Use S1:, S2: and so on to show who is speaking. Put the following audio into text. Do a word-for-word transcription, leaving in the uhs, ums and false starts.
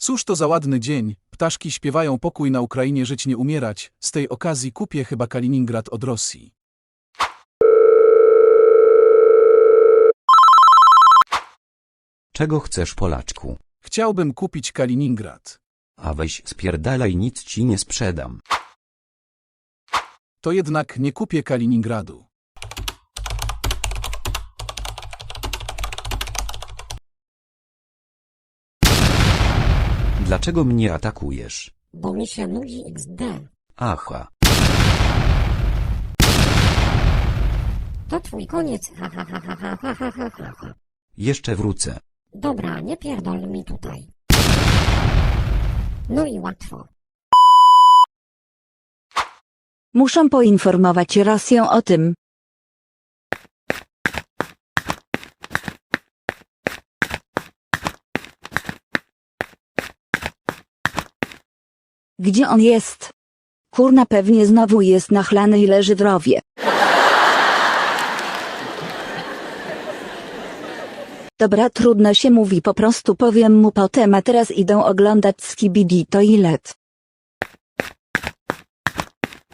S1: Cóż to za ładny dzień, ptaszki śpiewają pokój na Ukrainie żyć nie umierać, z tej okazji kupię chyba Kaliningrad od Rosji.
S2: Czego chcesz, Polaczku?
S1: Chciałbym kupić Kaliningrad.
S2: A weź spierdalaj, nic ci nie sprzedam.
S1: To jednak nie kupię Kaliningradu.
S2: Dlaczego mnie atakujesz?
S3: Bo mi się nudzi iks de.
S2: Aha.
S3: To twój koniec, ha ha ha ha ha ha ha ha ha ha.
S2: Jeszcze wrócę.
S3: Dobra, nie pierdol mi tutaj. No i łatwo.
S4: Muszą poinformować Rosję o tym. Gdzie on jest? Kurna, pewnie znowu jest nachlany i leży w rowie. Dobra, trudno się mówi, po prostu powiem mu potem, a teraz idę oglądać Skibidi Toilet.